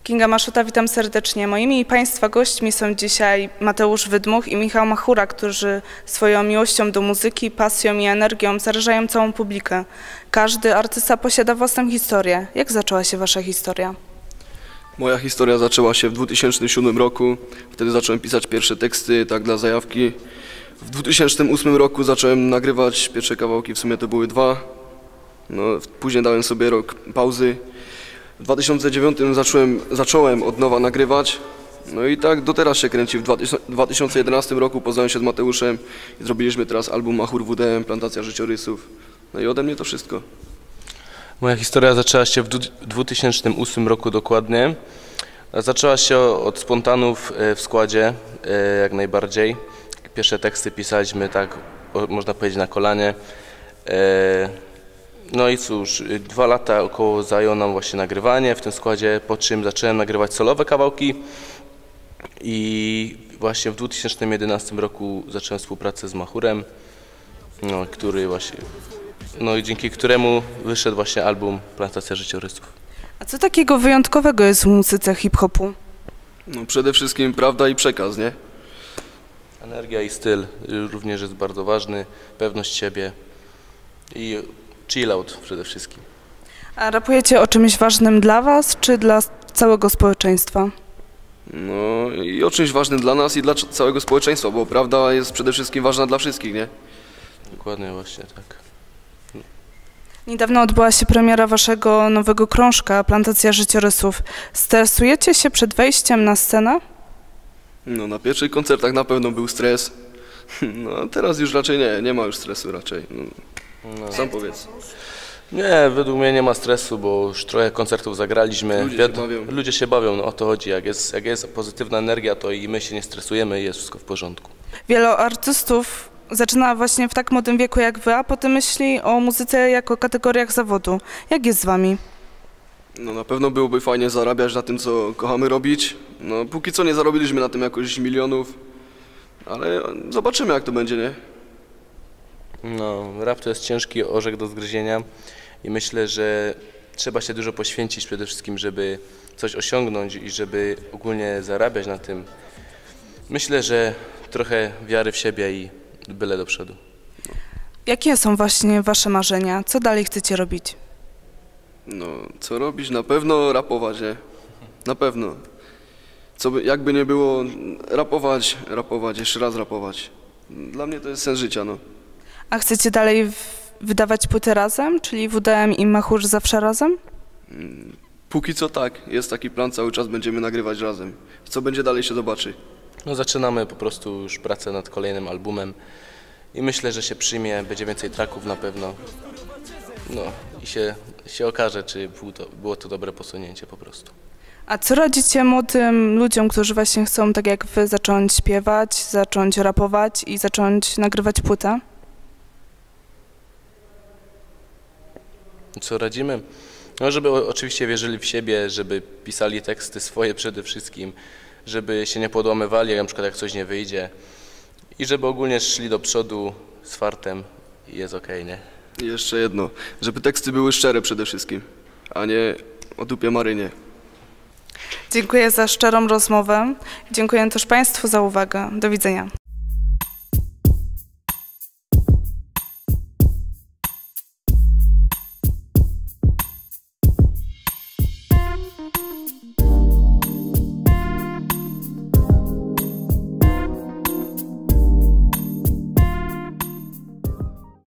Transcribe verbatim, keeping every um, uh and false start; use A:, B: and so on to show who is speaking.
A: Kinga Maszuta, witam serdecznie. Moimi i Państwa gośćmi są dzisiaj Mateusz Wydmuch i Michał Machura, którzy swoją miłością do muzyki, pasją i energią zarażają całą publikę. Każdy artysta posiada własną historię. Jak zaczęła się Wasza historia?
B: Moja historia zaczęła się w dwa tysiące siódmym roku. Wtedy zacząłem pisać pierwsze teksty, tak dla zajawki. W dwa tysiące ósmym roku zacząłem nagrywać pierwsze kawałki, w sumie to były dwa. No, później dałem sobie rok pauzy. W dwa tysiące dziewiątym zacząłem, zacząłem od nowa nagrywać, no i tak do teraz się kręci. W dwa tysiące jedenastym roku poznałem się z Mateuszem i zrobiliśmy teraz album Machur W D M, Plantacja Życiorysów. No i ode mnie to wszystko.
C: Moja historia zaczęła się w dwa tysiące ósmym roku dokładnie. Zaczęła się od spontanów w składzie, jak najbardziej. Pierwsze teksty pisaliśmy tak, można powiedzieć, na kolanie. No i cóż, dwa lata około zajęło nam właśnie nagrywanie w tym składzie, po czym zacząłem nagrywać solowe kawałki i właśnie w dwa tysiące jedenastym roku zacząłem współpracę z Machurem, no, który właśnie, no i dzięki któremu wyszedł właśnie album Plantacja Życiorysów.
A: A co takiego wyjątkowego jest w muzyce hip-hopu?
B: No przede wszystkim prawda i przekaz, nie?
C: Energia i styl również jest bardzo ważny, pewność siebie i chill out przede wszystkim.
A: A rapujecie o czymś ważnym dla Was, czy dla całego społeczeństwa?
B: No i o czymś ważnym dla nas i dla całego społeczeństwa, bo prawda jest przede wszystkim ważna dla wszystkich, nie?
C: Dokładnie, właśnie tak.
A: Niedawno odbyła się premiera Waszego nowego krążka, Plantacja Życiorysów. Stresujecie się przed wejściem na scenę?
B: No na pierwszych koncertach na pewno był stres, no a teraz już raczej nie, nie ma już stresu raczej. No. No. Sam powiedz.
C: Nie, według mnie nie ma stresu, bo już trochę koncertów zagraliśmy.
B: Ludzie się bawią.
C: Ludzie się bawią, no o to chodzi. Jak jest, jak jest pozytywna energia, to i my się nie stresujemy i jest wszystko w porządku.
A: Wielu artystów zaczyna właśnie w tak młodym wieku jak Wy, a potem myśli o muzyce jako kategoriach zawodu. Jak jest z Wami?
B: No na pewno byłoby fajnie zarabiać na tym, co kochamy robić. No póki co nie zarobiliśmy na tym jakoś milionów, ale zobaczymy, jak to będzie, nie?
C: No, rap to jest ciężki orzech do zgryzienia i myślę, że trzeba się dużo poświęcić przede wszystkim, żeby coś osiągnąć i żeby ogólnie zarabiać na tym. Myślę, że trochę wiary w siebie i byle do przodu.
A: Jakie są właśnie Wasze marzenia? Co dalej chcecie robić?
B: No, co robić? Na pewno rapować, nie? Na pewno. Co by, jakby nie było, rapować, rapować, jeszcze raz rapować. Dla mnie to jest sens życia, no.
A: A chcecie dalej wydawać płyty razem, czyli W D M i Machur zawsze razem?
B: Póki co tak, jest taki plan, cały czas będziemy nagrywać razem. Co będzie dalej, się zobaczy.
C: No zaczynamy po prostu już pracę nad kolejnym albumem i myślę, że się przyjmie, będzie więcej tracków na pewno. No i się, się okaże, czy było to, było to dobre posunięcie po prostu.
A: A co radzicie młodym ludziom, którzy właśnie chcą, tak jak Wy, zacząć śpiewać, zacząć rapować i zacząć nagrywać płytę?
C: Co radzimy? No, żeby oczywiście wierzyli w siebie, żeby pisali teksty swoje przede wszystkim, żeby się nie podłamywali, jak na przykład jak coś nie wyjdzie i żeby ogólnie szli do przodu z fartem i jest okej, nie?
B: I jeszcze jedno, żeby teksty były szczere przede wszystkim, a nie o dupie Marynie.
A: Dziękuję za szczerą rozmowę. Dziękuję też Państwu za uwagę. Do widzenia.